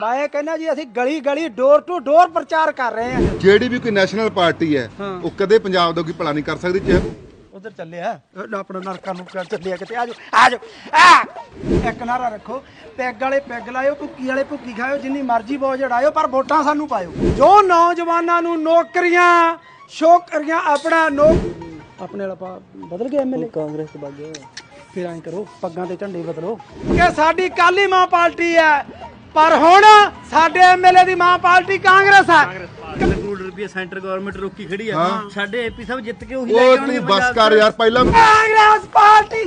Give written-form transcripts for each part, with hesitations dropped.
ਮੈਂ ਕਹਿੰਦਾ ਜੀ ਅਸੀਂ ਗਲੀ ਗਲੀ ਡੋਰ ਟੂ ਡੋਰ ਪ੍ਰਚਾਰ ਕਰ ਰਹੇ ਹਾਂ। ਜਿਹੜੀ ਵੀ ਕੋਈ ਨੈਸ਼ਨਲ ਪਾਰਟੀ ਹੈ ਉਹ ਕਦੇ ਪੰਜਾਬ ਦਾ ਕੋਈ ਭਲਾ ਨਹੀਂ ਕਰ ਸਕਦੀ। ਚਾਹੇ ਉਧਰ ਚੱਲਿਆ ਆਪਣਾ ਨਰਕਾਂ ਨੂੰ ਚੱਲਿਆ ਕਿਤੇ ਆਜੋ ਇੱਕ ਨਾਰਾ ਰੱਖੋ, ਪੈਗ ਵਾਲੇ ਪੈਗ ਲਾਇਓ, ਭੁੱਕੀ ਵਾਲੇ ਭੁੱਕੀ ਖਾਇਓ, ਜਿੰਨੀ ਮਰਜ਼ੀ ਬੋਝ ਉਡਾਇਓ, ਪਰ ਵੋਟਾਂ ਸਾਨੂੰ ਪਾਇਓ। ਜੋ ਨੌਜਵਾਨਾਂ ਨੂੰ ਨੌਕਰੀਆਂ ਸ਼ੋਕਰੀਆਂ ਆਪਣਾ ਆਪਣੇ ਵਾਲਾ ਬਦਲ ਗਿਆ ਐਮਐਲਏ ਕਾਂਗਰਸ ਤੋਂ ਵਗ ਗਿਆ। ਫਿਰ ਐਂ ਕਰੋ ਪੱਗਾਂ ਤੇ ਝੰਡੇ ਬਦਲੋ ਕਿ ਸਾਡੀ ਕਾਲੀ ਮਾਂ ਪਾਰਟੀ ਹੈ, ਪਰ ਹੁਣ ਸਾਡੇ ਐਮਐਲਏ ਦੀ ਮਾਂ ਪਾਰਟੀ ਕਾਂਗਰਸ ਹੈ। ਕਰੋੜ ਰੁਪਏ ਸੈਂਟਰ ਗਵਰਨਮੈਂਟ ਰੋਕੀ ਖੜੀ ਆ, ਸਾਡੇ ਏਪੀ ਸਾਹਿਬ ਜਿੱਤ ਕੇ ਉਹੀ ਲੈ ਉਹ ਕੇ ਆਉਣਗੇ। ਤੂੰ ਬਸ ਕਰ ਯਾਰ, ਪਹਿਲਾਂ ਕਾਂਗਰਸ ਪਾਰਟੀ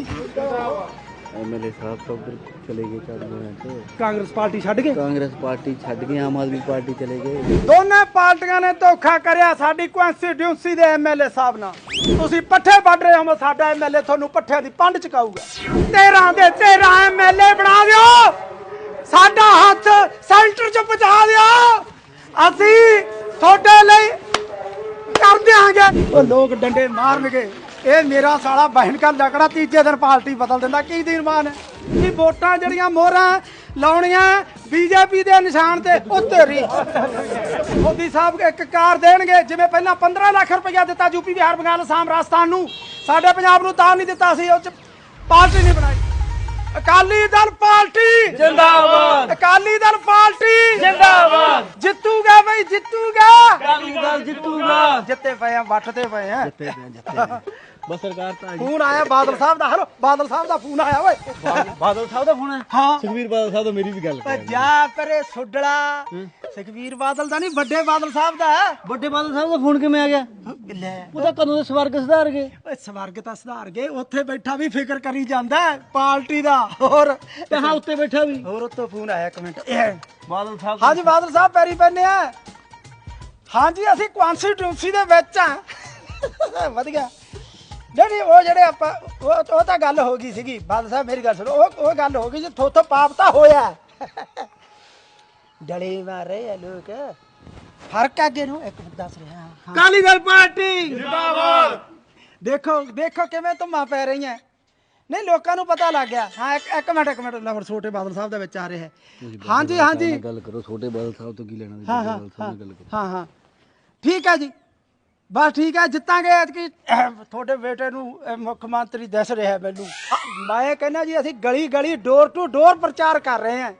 एमएलए साहब तो उधर चले गए तो ਕਾਂਗਰਸ ਪਾਰਟੀ ਛੱਡ ਕੇ कांग्रेस पार्टी छड़ गई, आम आदमी पार्टी चले गए। ਦੋਨੇ ਪਾਰਟੀਆਂ ਨੇ ਧੋਖਾ ਕਰਿਆ ਸਾਡੀ ਕਨਸਟੀਟਿਊਂਸੀ ਦੇ ਐਮਐਲਏ ਸਾਹਿਬ ਨਾਲ। ਤੁਸੀਂ ਪੱਠੇ ਵੱਢ ਰਹੇ ਹੋ, ਸਾਡਾ ਐਮਐਲਏ ਤੁਹਾਨੂੰ ਪੱਠਿਆਂ ਦੀ ਪੰਡ ਚਕਾਊਗਾ। 13 ਦੇ 13 ਐਮਐਲਏ ਬਣਾ ਦਿਓ, ਸਾਡਾ ਹੱਥ ਸੈਂਟਰ 'ਚ ਪਹੁੰਚਾ ਦਿਓ, ਅਸੀਂ ਤੁਹਾਡੇ ਲਈ ਕਰ ਦਿਆਂਗੇ। ਉਹ ਲੋਕ ਡੰਡੇ ਮਾਰਨਗੇ, ਇਹ ਮੇਰਾ ਸਾਲਾ ਬਹਿਣ ਕਾ ਲਕੜਾ ਤੀਜੇ ਦਿਨ ਪਾਰਟੀ ਬਦਲ ਦਿੰਦਾ। ਕੀ ਦੀਨਮਾਨ ਹੈ ਕਿ ਵੋਟਾਂ ਜਿਹੜੀਆਂ ਮੋਹਰਾਂ ਲਾਉਣੀਆਂ ਬੀਜੇਪੀ ਦੇ ਨਿਸ਼ਾਨ ਤੇ ਉੱਤੇ ਰੀ ਮੋਦੀ ਸਾਹਿਬ ਇੱਕ ਕਾਰ ਦੇਣਗੇ, ਜਿਵੇਂ ਪਹਿਲਾਂ 15 ਲੱਖ ਰੁਪਇਆ ਦਿੱਤਾ ਯੂਪੀ ਬਿਹਾਰ ਬੰਗਾਲ ਅਸਾਮ ਰਾਜਸਥਾਨ ਨੂੰ, ਸਾਡੇ ਪੰਜਾਬ ਨੂੰ ਤਾਂ ਨਹੀਂ ਦਿੱਤਾ ਸੀ। ਉਹ ਚ ਪਾਰਟੀ ਨਹੀਂ ਬਣਾਈ। ਅਕਾਲੀ ਦਲ ਪਾਰਟੀ ਜਿੰਦਾਬਾਦ, ਅਕਾਲੀ ਦਲ ਪਾਰਟੀ ਜਿੰਦਾਬਾਦ, ਜਿੱਤੂਗਾ ਬਈ ਜਿੱਤੂਗਾ, ਅਕਾਲੀ ਦਲ ਜਿੱਤੂਗਾ। ਜਿੱਤੇ ਪਏ ਆ, ਵੱਟਦੇ ਪਏ ਆ। बस सरकार तो ਫੋਨ ਆਇਆ ਬਾਦਲ ਸਾਹਿਬ ਦਾ। ਹਲੋ ਬਾਦਲ ਸਾਹਿਬ ਦਾ ਫੋਨ ਆਇਆ ਓਏ। बादल साहब का फोन है। ਹਾਂ सुखबीर बादल साहब तो मेरी भी गल ਓ ਜਾ ਪਰੇ ਸੁੱਡਲਾ, ਸੁਖਬੀਰ ਬਾਦਲ ਦਾ ਨਹੀਂ, ਵੱਡੇ ਬਾਦਲ ਸਾਹਿਬ ਦਾ। बड़े बादल साहब का फोन किवें आ गया? ਲੈ ਉਹਦਾ ਕਦੋਂ ਦੇ ਸਵਰਗ ਸੁਧਾਰ ਗਏ। ਓਏ ਸਵਰਗ ਤਾਂ ਸੁਧਾਰ ਗਏ, ਉੱਥੇ ਬੈਠਾ ਵੀ ਫਿਕਰ ਕਰੀ ਜਾਂਦਾ ਪਾਰਟੀ ਦਾ। ਹੋਰ ਤੇ ਹਾਂ ਉੱਤੇ ਬੈਠਾ ਵੀ ਹੋਰ ਉੱਤੋਂ ਫੋਨ ਆਇਆ ਇੱਕ ਮਿੰਟ। ਬਾਦਲ ਸਾਹਿਬ। ਹਾਂਜੀ ਬਾਦਲ ਸਾਹਿਬ ਪੈਰੀ ਪੈਨੇ ਆ। ਹਾਂਜੀ ਅਸੀਂ ਕਨਸਟੀਟਿਊਂਸੀ ਦੇ ਵਿੱਚ ਆ। ਵਧੀਆ ਜਿਹੜੀ ਉਹ ਜਿਹੜੇ ਆਪਾਂ ਉਹ ਤਾਂ ਗੱਲ ਹੋ ਗਈ ਸੀਗੀ। ਬਾਦਲ ਸਾਹਿਬ ਮੇਰੀ ਗੱਲ ਸੁਣੋ, ਉਹ ਗੱਲ ਹੋ ਗਈ ਜੀ, ਥੋਥੋਂ ਪਾਪ ਤਾਂ ਹੋਇਆ। ਡਲੇ ਮਾਰੇ ਆ ਲੋਕ, ਫਰਕ ਅੱਗੇ ਨੂੰ ਇੱਕ ਮਿੰਟ ਦੱਸ ਰਿਹਾ। ਅਕਾਲੀ ਦਲ ਪਾਰਟੀ ਜਿੰਦਾਬਾਦ। ਦੇਖੋ ਕਿਵੇਂ ਧੁੰਮਾਂ ਪੈ ਰਹੀਆਂ। ਨਹੀਂ ਲੋਕਾਂ ਨੂੰ ਪਤਾ ਲੱਗ ਗਿਆ। ਹਾਂ ਇੱਕ ਮਿੰਟ ਲਵਰ ਛੋਟੇ ਬਾਦਲ ਸਾਹਿਬ ਦੇ ਵਿੱਚ ਆ ਰਿਹਾ ਹੈ। ਹਾਂਜੀ ਗੱਲ ਕਰੋ, ਛੋਟੇ ਬਾਦਲ ਸਾਹਿਬ ਤੋਂ ਕੀ ਲੈਣਾ? ਹਾਂ ਬਾਦਲ ਸਾਹਿਬ ਨਾਲ ਗੱਲ ਕਰੋ। ਹਾਂ ਠੀਕ ਹੈ ਜੀ, ਬਸ ਠੀਕ ਹੈ, ਜਿੱਤਾਂਗੇ ਐਤਕੀ। ਤੁਹਾਡੇ ਬੇਟੇ ਨੂੰ ਮੁੱਖ ਮੰਤਰੀ ਦਿਸ ਰਿਹਾ ਮੈਨੂੰ। ਮੈਂ ਕਹਿੰਦਾ ਜੀ ਅਸੀਂ ਗਲੀ ਗਲੀ ਡੋਰ ਟੂ ਡੋਰ ਪ੍ਰਚਾਰ ਕਰ ਰਹੇ ਹਾਂ।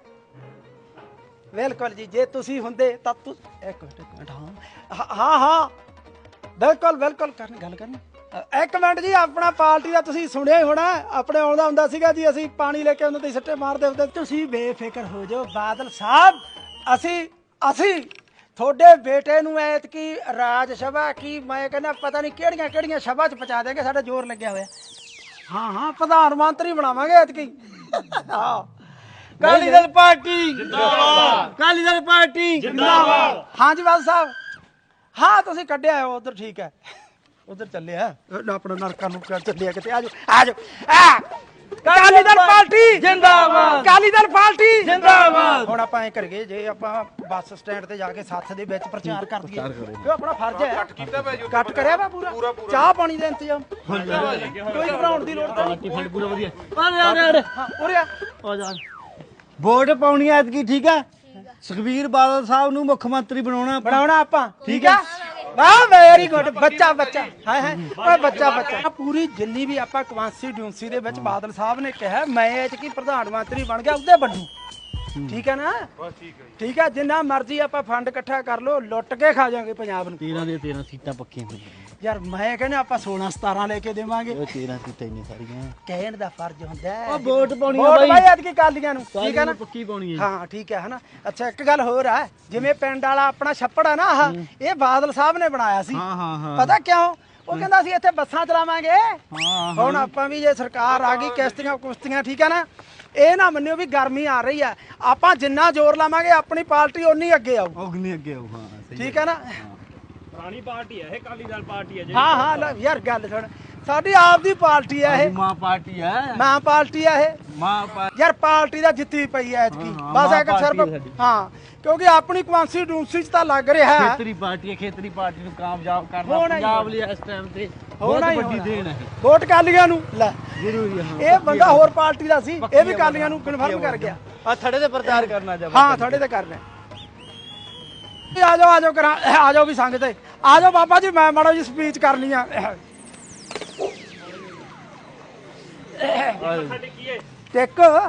ਬਿਲਕੁਲ ਜੀ, ਜੇ ਤੁਸੀਂ ਹੁੰਦੇ ਤਾਂ ਇੱਕ ਮਿੰਟ ਹਾਂ ਬਿਲਕੁਲ ਗੱਲ ਕਰਨੀ। ਇੱਕ ਮਿੰਟ ਜੀ, ਆਪਣਾ ਪਾਰਟੀ ਦਾ ਤੁਸੀਂ ਸੁਣਿਆ ਹੀ ਹੋਣਾ, ਆਪਣੇ ਆਉਂਦਾ ਹੁੰਦਾ ਸੀਗਾ ਜੀ, ਅਸੀਂ ਪਾਣੀ ਲੈ ਕੇ ਉਹਨਾਂ ਤੇ ਸੱਟੇ ਮਾਰਦੇ ਹੁੰਦੇ। ਤੁਸੀਂ ਬੇਫਿਕਰ ਹੋ ਜਾਓ ਬਾਦਲ ਸਾਹਿਬ, ਅਸੀਂ ਤੁਹਾਡੇ ਬੇਟੇ ਨੂੰ ਐਤਕੀ ਰਾਜ ਸਭਾ ਕੀ ਮੈਂ ਕਹਿੰਦਾ ਪਤਾ ਨਹੀਂ ਕਿਹੜੀਆਂ ਸਭਾ 'ਚ ਪਹੁੰਚਾ ਦੇਗੇ। ਸਾਡਾ ਜ਼ੋਰ ਲੱਗਿਆ ਹੋਇਆ। ਹਾਂ ਪ੍ਰਧਾਨ ਮੰਤਰੀ ਬਣਾਵਾਂਗੇ ਐਤਕੀ। ਹਾਂ ਅਕਾਲੀ ਦਲ ਪਾਰਟੀ ਜਿੰਦਾਬਾਦ, ਅਕਾਲੀ ਦਲ ਪਾਰਟੀ ਜਿੰਦਾਬਾਦ। ਹਾਂਜੀ ਬਾਦਲ ਸਾਹਿਬ, ਹਾਂ ਤੁਸੀਂ ਕੱਢਿਆ ਉਧਰ, ਠੀਕ ਹੈ ਉਧਰ ਚੱਲਿਆ ਆਪਣਾ ਨਰਕਾਂ ਨੂੰ ਚੱਲਿਆ ਕਿਤੇ ਆਜੋ ਅਕਾਲੀ ਦਲ ਪਾਰਟੀ ਜਿੰਦਾਬਾਦ, ਅਕਾਲੀ ਦਲ ਪਾਰਟੀ ਜਿੰਦਾਬਾਦ। ਹੁਣ ਆਪਾਂ ਐ ਕਰੀਏ, ਜੇ ਆਪਾਂ ਬੱਸ ਸਟੈਂਡ ਤੇ ਜਾ ਕੇ ਸੱਥ ਦੇ ਵਿੱਚ ਪ੍ਰਚਾਰ ਕਰ ਦਈਏ, ਇਹ ਆਪਣਾ ਫਰਜ਼ ਹੈ। ਕੱਟ ਕਰਿਆ ਵਾ ਪੂਰਾ, ਚਾਹ ਪਾਣੀ ਦਾ ਇੰਤਜ਼ਾਮ ਕੋਈ ਘਬਰਾਉਣ ਦੀ ਲੋੜ ਨਹੀਂ। ਫੰਡ ਪੂਰਾ ਵਧੀਆ। ਹਾਂ ਉਰੇ ਆ ਜਾ ਵੋਟ ਪਾਉਣੀ ਐ ਐਤਕੀ, ਠੀਕ ਹੈ। ਸੁਖਬੀਰ ਬਾਦਲ ਸਾਹਿਬ ਨੂੰ ਮੁੱਖ ਮੰਤਰੀ ਬਣਾਉਣਾ ਆਪਾਂ, ਠੀਕ ਹੈ। ਵਾਹ ਵੈਰੀ ਗੁੱਡ, ਬੱਚਾ ਹਾਏ ਓਏ ਬੱਚਾ ਪੂਰੀ ਜਿੰਨੀ ਵੀ ਆਪਾਂ ਕਨਸਟੀਟਿਊਂਸੀ ਦੇ ਵਿੱਚ ਬਾਦਲ ਸਾਹਿਬ ਨੇ ਕਿਹਾ ਮੈਂ ਐਤਕੀ ਪ੍ਰਧਾਨ ਮੰਤਰੀ ਬਣ ਗਿਆ, ਉਹਦੇ ਬੰਦੂ। ਠੀਕ ਹੈ ਨਾ? ਠੀਕ ਹੈ, ਜਿੰਨਾ ਮਰਜ਼ੀ ਆਪਾਂ ਫੰਡ ਇਕੱਠਾ ਕਰ ਲੋ, ਲੁੱਟ ਕੇ ਖਾ ਜਾਾਂਗੇ ਪੰਜਾਬ ਨੂੰ। 13 ਦੇ 13 ਸੀਟਾਂ ਪੱਕੀਆਂ ਹੋਈਆਂ ਯਾਰ ਮੈਂ ਕਹਿੰਦਾ ਆਪਾਂ 16-17 ਲੈ ਕੇ ਦੇਵਾਂਗੇ। ਉਹ 13 ਸੀਟਾਂ ਇੰਨੀ ਸਾਰੀਆਂ ਕਹਿਣ ਦਾ ਫਰਜ਼ ਹੁੰਦਾ ਹੈ। ਉਹ ਵੋਟ ਪਾਉਣੀ ਆ ਵੋਟ ਬਾਈ। ਬਾਈ ਐਤਕੀ ਕਾਲੀਆਂ ਨੂੰ, ਠੀਕ ਹੈ ਨਾ? ਪੱਕੀ ਪਾਉਣੀ ਹੈ। ਹਾਂ ਠੀਕ ਹੈ ਹਨਾ। ਅੱਛਾ ਇੱਕ ਗੱਲ ਹੋਰ ਹੈ, ਜਿਵੇਂ ਪਿੰਡ ਵਾਲਾ ਆਪਣਾ ਛੱਪੜ ਹੈ ਨਾ, ਆਹ ਇਹ ਬਾਦਲ ਸਾਹਿਬ ਨੇ ਬਣਾਇਆ ਸੀ। ਪਤਾ ਕਿਉਂ? ਉਹ ਕਹਿੰਦਾ ਸੀ ਇੱਥੇ ਬੱਸਾਂ ਚਲਾਵਾਂਗੇ। ਹੁਣ ਆਪਾਂ ਵੀ ਜੇ ਸਰਕਾਰ ਆ ਗਈ, ਕਿਸ਼ਤੀਆਂ ਠੀਕ ਹੈ ਨਾ, ਇਹ ਨਾ ਮੰਨਿਓ ਵੀ ਗਰਮੀ ਆ ਰਹੀ ਹੈ, ਆਪਾਂ ਜਿੰਨਾ ਜ਼ੋਰ ਲਾਵਾਂਗੇ ਆਪਣੀ ਪਾਰਟੀ ਓਨੀ ਅੱਗੇ ਆਊ। ਅੱਗੇ ਆਉ। ਹਾਂ ਠੀਕ ਹੈ ਨਾ? ਪੁਰਾਣੀ ਪਾਰਟੀ ਹੈ ਇਹ, ਅਕਾਲੀ ਦਲ ਪਾਰਟੀ ਹੈ। ਹਾਂ ਲੈ ਯਾਰ ਗੱਲ ਸੁਣ, ਸਾਡੀ ਆਪ ਦੀ ਪਾਰਟੀ ਹੈ ਇਹ, ਮਾਂ ਪਾਰਟੀ ਹੈ। ਮਾਂ ਪਾਰਟੀ ਹੈ ਇਹ। ਮਾਂ ਯਾਰ ਪਾਰਟੀ ਦਾ ਜਿੱਤੀ ਪਈ ਐ ਐਤਕੀ, ਬਸ ਇੱਕ ਸਿਰਫ ਹਾਂ, ਕਿਉਂਕਿ ਆਪਣੀ ਕਨਸਟੀਟਿਊਂਸੀ 'ਚ ਤਾਂ ਲੱਗ ਰਿਹਾ ਹੈ। ਖੇਤਰੀ ਪਾਰਟੀ ਨੂੰ ਕਾਮਯਾਬ ਕਰਨਾ ਪੰਜਾਬ ਲਈ ਇਸ ਟਾਈਮ ਤੇ ਬਹੁਤ ਵੱਡੀ ਦੇਣ ਹੈ। ਵੋਟ ਕਾਲੀਆਂ ਨੂੰ ਲੈ ਜ਼ਰੂਰੀ ਹੈ। ਇਹ ਬੰਦਾ ਹੋਰ ਪਾਰਟੀ ਦਾ ਸੀ, ਇਹ ਵੀ ਕਾਲੀਆਂ ਨੂੰ ਕਨਫਰਮ ਕਰ ਗਿਆ। ਆ ਥੜੇ ਤੇ ਪ੍ਰਚਾਰ ਕਰਨਾ ਜਾ ਹਾਂ ਥੋੜੇ ਤੇ ਕਰਨਾ ਆ ਜਾਓ ਕਰਾਂ ਆ ਜਾਓ ਵੀ ਸੰਗ ਤੇ ਆ ਜਾਓ ਬਾਬਾ ਜੀ ਮੈਂ ਮਾੜਾ ਜੀ ਸਪੀਚ ਕਰਨੀ ਆ ਟਿਕ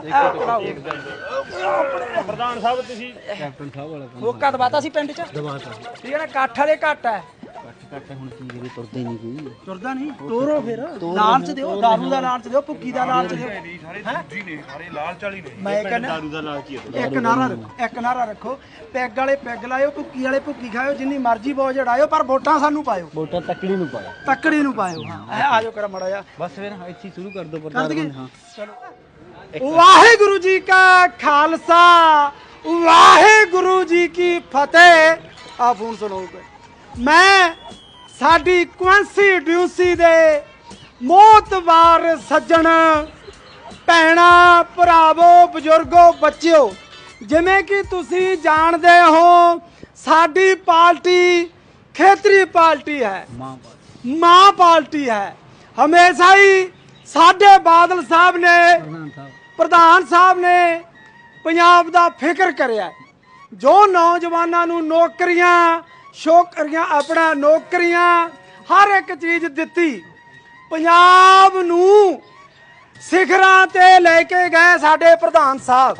ਪ੍ਰਧਾਨ ਸਾਹਿਬ ਤੁਸੀਂ ਕੈਪਟਨ ਸਾਹਿਬ ਵਾਲਾ ਮੌਕਾ ਦਵਾਤਾ ਸੀ ਪਿੰਡ ਚ ਦਬਾਤਾ ਠੀਕ ਹੈ ਨਾ ਇਕੱਠ ਵਾਲੇ ਘੱਟ ਹੈ ਕੱਟ ਹੁਣ ਕੀ ਕਰੀ ਤੁਰਦੇ ਨਹੀਂ ਕੋਈ ਤੁਰਦਾ ਨਹੀਂ ਤੋਰੋ ਫਿਰ ਲਾਲਚ ਦਿਓ ਦਾਰੂ ਦਾ ਲਾਲਚ ਦਿਓ ਭੁੱਕੀ ਦਾ ਲਾਲਚ ਦਿਓ ਜੀ ਨੇ ਸਾਰੇ ਲਾਲਚ ਵਾਲੀ ਨੇ ਮੈਂ ਕਹਿੰਦਾ ਦਾਰੂ ਦਾ ਲਾਲਚੀ ਹੈ ਇੱਕ ਨਾਰਾ ਰੱਖੋ ਪੈਗ ਵਾਲੇ ਪੈਗ ਲਾਇਓ ਭੁੱਕੀ ਵਾਲੇ ਭੁੱਕੀ ਖਾਇਓ ਜਿੰਨੀ ਮਰਜ਼ੀ ਬੋਝ ਜੜਾਇਓ ਪਰ ਵੋਟਾਂ ਸਾਨੂੰ ਪਾਇਓ ਵੋਟਾਂ ਤੱਕੜੀ ਨੂੰ ਪਾਇਆ ਤੱਕੜੀ ਨੂੰ ਪਾਇਓ ਹਾਂ ਆ ਜਾਓ ਕਰ ਮੜਾ ਜਾ ਬਸ ਫਿਰ ਇੱਥੇ ਸ਼ੁਰੂ ਕਰ ਦੋ ਕਰ ਪ੍ਰਚਾਰ ਦਈਏ ਹਾਂ ਚਲੋ ਵਾਹਿਗੁਰੂ ਜੀ ਕਾ ਖਾਲਸਾ ਵਾਹਿਗੁਰੂ ਜੀ ਕੀ ਫਤਿਹ ਆ ਫੋਨ ਸੁਣੋ ਮੈਂ ਸਾਡੀ ਕੌਂਸਟੀਟਿਊਂਸੀ ਦੇ ਮੋਹਤਵਾਰ ਸੱਜਣ ਭੈਣਾ ਭਰਾਵੋ ਬਜ਼ੁਰਗੋ ਬੱਚਿਓ ਜਿਵੇਂ ਕਿ ਤੁਸੀਂ ਜਾਣਦੇ ਹੋ ਸਾਡੀ ਪਾਰਟੀ ਖੇਤਰੀ ਪਾਰਟੀ ਹੈ ਮਾਂ ਪਾਰਟੀ ਹੈ ਹਮੇਸ਼ਾ ਹੀ ਸਾਡੇ ਬਾਦਲ ਸਾਹਿਬ ਨੇ ਪ੍ਰਧਾਨ ਸਾਹਿਬ ਨੇ ਪੰਜਾਬ ਦਾ ਫਿਕਰ ਕਰਿਆ ਜੋ ਨੌਜਵਾਨਾਂ ਨੂੰ ਨੌਕਰੀਆਂ ਆਪਣਾ ਨੌਕਰੀਆਂ ਹਰ ਇੱਕ ਚੀਜ਼ ਦਿੱਤੀ ਪੰਜਾਬ ਨੂੰ ਸਿਖਰਾਂ ਤੇ ਲੈ ਕੇ ਗਏ ਸਾਡੇ ਪ੍ਰਧਾਨ ਸਾਹਿਬ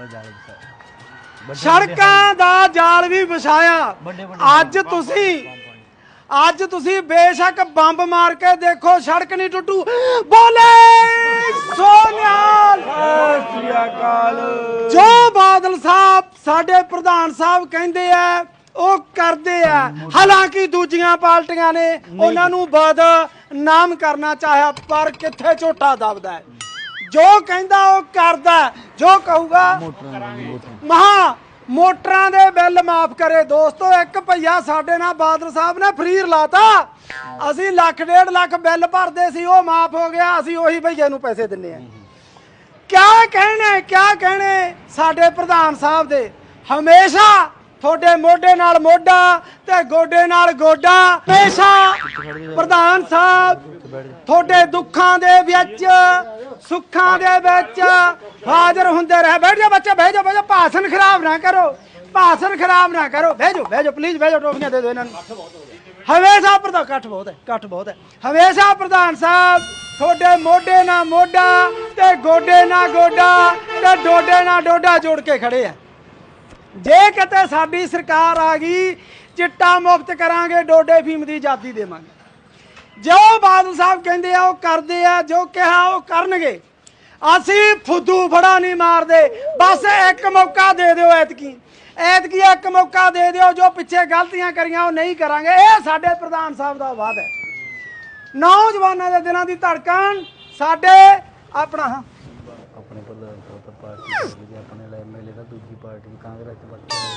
ਸੜਕਾਂ ਦਾ ਜਾਲ ਵੀ ਵਿਛਾਇਆ ਅੱਜ ਤੁਸੀਂ ਬੇਸ਼ੱਕ ਬੰਬ ਮਾਰ ਕੇ ਦੇਖੋ ਸੜਕ ਨਹੀਂ ਟੁੱਟੂ ਬੋਲੇ ਸੋਨਿਆਲ ਸ੍ਰੀ ਅਕਾਲ ਜੋ ਬਾਦਲ ਸਾਹਿਬ ਸਾਡੇ ਪ੍ਰਧਾਨ ਸਾਹਿਬ ਕਹਿੰਦੇ ਆ ਉਹ ਕਰਦੇ ਆ ਹਾਲਾਂਕਿ ਦੂਜੀਆਂ ਪਾਰਟੀਆਂ ਨੇ ਉਹਨਾਂ ਨੂੰ ਬਦਨਾਮ ਕਰਨਾ ਚਾਹਿਆ ਪਰ ਕਿੱਥੇ ਝੋਟਾ ਦਬਦਾ ਹੈ ਜੋ ਕਹਿੰਦਾ ਉਹ ਕਰਦਾ ਜੋ ਕਹੂਗਾ ਮੋਟਰਾਂ ਦੇ ਬਿੱਲ ਮਾਫ ਕਰੇ ਦੋਸਤੋ ਇੱਕ ਭਈਆ ਸਾਡੇ ਨਾਲ ਬਾਦਲ ਸਾਹਿਬ ਨੇ ਫ੍ਰੀ ਲਾਤਾ ਅਸੀਂ ਲੱਖ 1.5 ਲੱਖ ਬਿੱਲ ਭਰਦੇ ਸੀ ਉਹ ਮਾਫ ਹੋ ਗਿਆ ਅਸੀਂ ਉਹੀ ਭਈਏ ਨੂੰ ਪੈਸੇ ਦਿੰਨੇ ਆ ਕਿਆ ਕਹਿਣੇ ਸਾਡੇ ਪ੍ਰਧਾਨ ਸਾਹਿਬ ਦੇ ਹਮੇਸ਼ਾ ਤੁਹਾਡੇ ਮੋਢੇ ਨਾਲ ਮੋਢਾ ਤੇ ਗੋਡੇ ਨਾਲ ਗੋਡਾ ਹਮੇਸ਼ਾ ਪ੍ਰਧਾਨ ਸਾਹਿਬ ਤੁਹਾਡੇ ਦੁੱਖਾਂ ਦੇ ਵਿੱਚ ਸੁੱਖਾਂ ਦੇ ਵਿੱਚ ਹਾਜ਼ਰ ਹੁੰਦੇ ਰਹੇ ਬੈਠ ਜਾ ਬੱਚਾ ਬਹਿ ਜਾ ਭਾਸ਼ਣ ਖਰਾਬ ਨਾ ਕਰੋ ਬਹਿ ਜਾਓ ਪਲੀਜ਼ ਬਹਿ ਜਾਓ ਟੋਪੀਆਂ ਦੇ ਦਿਓ ਇਹਨਾਂ ਨੂੰ ਹਮੇਸ਼ਾ ਪ੍ਰਧਾਨ ਇਕੱਠ ਬਹੁਤ ਹੈ ਹਮੇਸ਼ਾ ਪ੍ਰਧਾਨ ਸਾਹਿਬ ਤੁਹਾਡੇ ਮੋਢੇ ਨਾਲ ਮੋਢਾ ਤੇ ਗੋਡੇ ਨਾਲ ਗੋਡਾ ਤੇ ਡੋਡੇ ਨਾਲ ਡੋਡਾ ਜੋੜ ਕੇ ਖੜੇ ਆ ਜੇ ਕਿਤੇ ਸਾਡੀ ਸਰਕਾਰ ਆ ਗਈ ਚਿੱਟਾ ਮੁਫਤ ਕਰਾਂਗੇ ਡੋਡੇ ਫੀਮ ਦੀ ਆਜ਼ਾਦੀ ਦੇਵਾਂਗੇ ਜੋ ਬਾਦਲ ਸਾਹਿਬ ਕਹਿੰਦੇ ਆ ਉਹ ਕਰਦੇ ਆ ਜੋ ਕਿਹਾ ਉਹ ਕਰਨਗੇ ਅਸੀਂ ਫੁੱਦੂ ਫੜਾ ਨਹੀਂ ਮਾਰਦੇ ਬਸ ਇੱਕ ਮੌਕਾ ਦੇ ਦਿਓ ਐਤਕੀ ਇੱਕ ਮੌਕਾ ਦੇ ਦਿਓ ਜੋ ਪਿੱਛੇ ਗਲਤੀਆਂ ਕਰੀਆਂ ਉਹ ਨਹੀਂ ਕਰਾਂਗੇ ਇਹ ਸਾਡੇ ਪ੍ਰਧਾਨ ਸਾਹਿਬ ਦਾ ਵਾਅਦਾ ਹੈ ਨੌਜਵਾਨਾਂ ਦੇ ਦਿਨਾਂ ਦੀ ਧੜਕਣ ਸਾਡੇ ਆਪਣਾ ਆਪਣੇ ਪ੍ਰਧਾਨ ਸਾਹਿਬ ਤਾਂ ਪਾਰਟੀ ਆਪਣੇ ਲਈ ਐਮਐਲਏ ਦਾ ਦੂਜੀ ਪਾਰਟੀ ਕਾਂਗਰਸ ਚ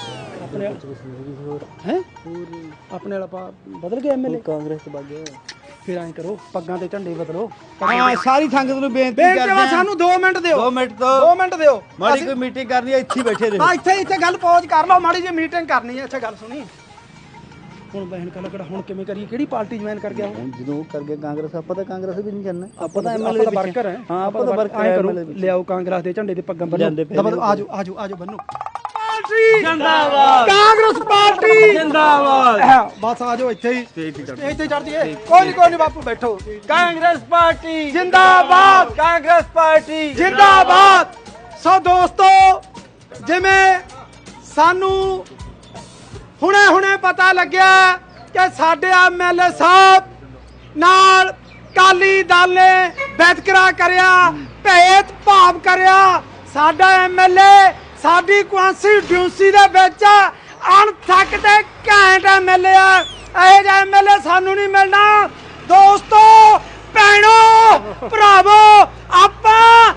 ਆਪਣੇ ਵਾਲਾ ਬਦਲ ਗਿਆ ਐਮਐਲਏ ਕਾਂਗਰਸ ਚ ਵਗ ਗਿਆ ਫਿਰ ਐਂ ਕਰੋ ਪੱਗਾਂ ਤੇ ਝੰਡੇ ਬਦਲੋ ਹਾਂ ਸਾਰੀ ਸੰਗਤ ਨੂੰ ਬੇਨਤੀ ਕਰਦੇ ਸਾਨੂੰ 2 ਮਿੰਟ ਦਿਓ 2 ਮਿੰਟ ਤੋਂ 2 ਮਿੰਟ ਦਿਓ ਮਾੜੀ ਕੋਈ ਮੀਟਿੰਗ ਕਰਨੀ ਹੈ ਇੱਥੇ ਬੈਠੇ ਰਹੋ ਹਾਂ ਇੱਥੇ ਗੱਲ ਪੌਜ ਕਰ ਲਓ ਮਾੜੀ ਜਿਹੀ ਮੀਟਿੰਗ ਕਰਨੀ ਹੈ ਇੱਥੇ ਗੱਲ ਸੁਣੀ ਹੁਣ ਬਹਿਣ ਕਲਕੜਾ ਹੁਣ ਕਿਵੇਂ ਕਰੀਏ ਕਿਹੜੀ ਪਾਰਟੀ ਜੁਆਇਨ ਕਰ ਗਿਆ ਹੁਣ ਜਦੋਂ ਕਰ ਗਿਆ ਕਾਂਗਰਸ ਆਪਾਂ ਤਾਂ ਕਾਂਗਰਸ ਵੀ ਨਹੀਂ ਕਰਨਾ ਆਪਾਂ ਤਾਂ ਐਮਐਲਏ ਦੇ ਵਰਕਰ ਹੈ ਹਾਂ ਆਪਾਂ ਤਾਂ ਵਰਕਰ ਐਂ ਕਰੋ ਲਿਆਓ ਕਾਂਗਰਸ ਦੇ ਝੰਡੇ ਤੇ ਪੱਗਾਂ ਬੰਨੋ ਆਜੋ ਬੰਨੋ ਜਿੰਦਾਬਾਦ ਕਾਂਗਰਸ ਪਾਰਟੀ ਜਿੰਦਾਬਾਦ ਬਸ ਆਜੋ ਇੱਥੇ ਹੀ ਚੜ ਜੀਏ ਕੋਈ ਨਹੀਂ ਬਾਪੂ ਬੈਠੋ ਕਾਂਗਰਸ ਪਾਰਟੀ ਜਿੰਦਾਬਾਦ ਕਾਂਗਰਸ ਪਾਰਟੀ ਜਿੰਦਾਬਾਦ ਸੋ ਦੋਸਤੋ ਜਿਵੇਂ ਸਾਨੂੰ ਹੁਣੇ ਪਤਾ ਲੱਗਿਆ ਕਿ ਸਾਡੇ ਐਮਐਲਏ ਸਾਹਿਬ ਨਾਲ ਕਾਲੀ ਦਲ ਨੇ ਵਿਤਕਰਾ ਕਰਿਆ ਭੇਦ ਭਾਵ ਕਰਿਆ ਸਾਡਾ ਐਮਐਲਏ ਸਾਡੀ ਕੌਂਸਟੀਟਿਊਂਸੀ ਦੇ ਵਿੱਚ ਅਣਥੱਕ ਤੇ ਘੈਂਟ ਐਮਐਲਏ ਆ ਇਹ ਜਿਹਾ ਐਮਐਲਏ ਸਾਨੂੰ ਨਹੀਂ ਮਿਲਣਾ ਦੋਸਤੋ ਭੈਣੋ ਭਰਾਵੋ ਆਪਾਂ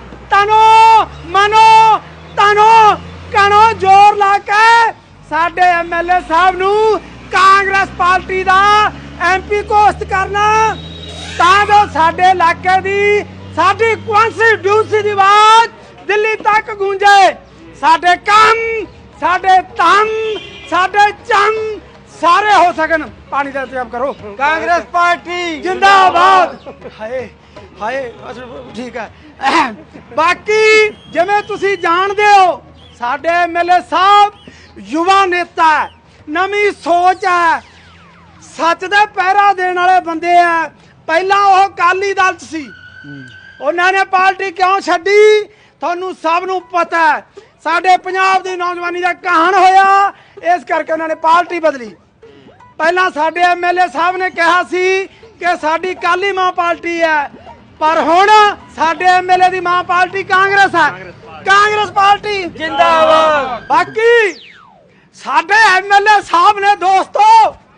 ਤਨੋ ਕਣੋ ਜ਼ੋਰ ਲਾ ਕੇ ਸਾਡੇ ਐਮਐਲਏ ਸਾਹਿਬ ਨੂੰ ਕਾਂਗਰਸ ਪਾਰਟੀ ਦਾ ਐਮਪੀ ਘੋਸ਼ਿਤ ਕਰਨਾ ਤਾਂ ਜੋ ਸਾਡੇ ਇਲਾਕੇ ਦੀ ਸਾਡੀ ਕੌਂਸਟੀਟਿਊਂਸੀ ਦੀ ਆਵਾਜ਼ ਦਿੱਲੀ ਤੱਕ ਗੂੰਜੇ ਸਾਡੇ ਕੰਮ ਸਾਡੇ ਧੰਮ ਸਾਡੇ ਚੰਮ ਸਾਰੇ ਹੋ ਸਕਣ ਪਾਣੀ ਦਾ ਇੰਤਜ਼ਾਮ ਕਰੋ ਕਾਂਗਰਸ ਪਾਰਟੀ ਜਿੰਦਾਬਾਦ ਹਾਏ ਹਾਏ ਠੀਕ ਹੈ। ਬਾਕੀ ਜਿਵੇਂ ਤੁਸੀਂ ਜਾਣਦੇ ਹੋ ਸਾਡੇ ਐਮਐਲਏ ਸਾਹਿਬ ਯੁਵਾ ਨੇਤਾ ਹੈ, ਨਵੀਂ ਸੋਚ ਹੈ, ਸੱਚ ਦਾ ਪਹਿਰਾ ਦੇਣ ਵਾਲੇ ਬੰਦੇ ਆ। ਪਹਿਲਾਂ ਉਹ ਅਕਾਲੀ ਦਲ 'ਚ ਸੀ, ਉਹਨਾਂ ਨੇ ਪਾਰਟੀ ਕਿਉਂ ਛੱਡੀ ਤੁਹਾਨੂੰ ਸਭ ਨੂੰ ਪਤਾ ਹੈ। ਸਾਡੇ ਪੰਜਾਬ ਦੀ ਨੌਜਵਾਨੀ ਦਾ ਕਹਾਣ ਹੋਇਆ, ਇਸ ਕਰਕੇ ਉਹਨਾਂ ਨੇ ਪਾਰਟੀ ਬਦਲੀ। ਪਹਿਲਾਂ ਸਾਡੇ ਐਮਐਲਏ ਸਾਹਿਬ ਨੇ ਕਿਹਾ ਸੀ ਕਿ ਸਾਡੀ ਕਾਲੀ ਮਾਂ ਪਾਰਟੀ ਹੈ, ਪਰ ਹੁਣ ਸਾਡੇ ਐਮਐਲਏ ਦੀ ਮਾਂ ਪਾਰਟੀ ਕਾਂਗਰਸ ਹੈ। ਕਾਂਗਰਸ ਪਾਰਟੀ ਜਿੰਦਾਬਾਦ। ਬਾਕੀ ਸਾਡੇ ਐਮਐਲਏ ਸਾਹਿਬ ਨੇ ਦੋਸਤੋ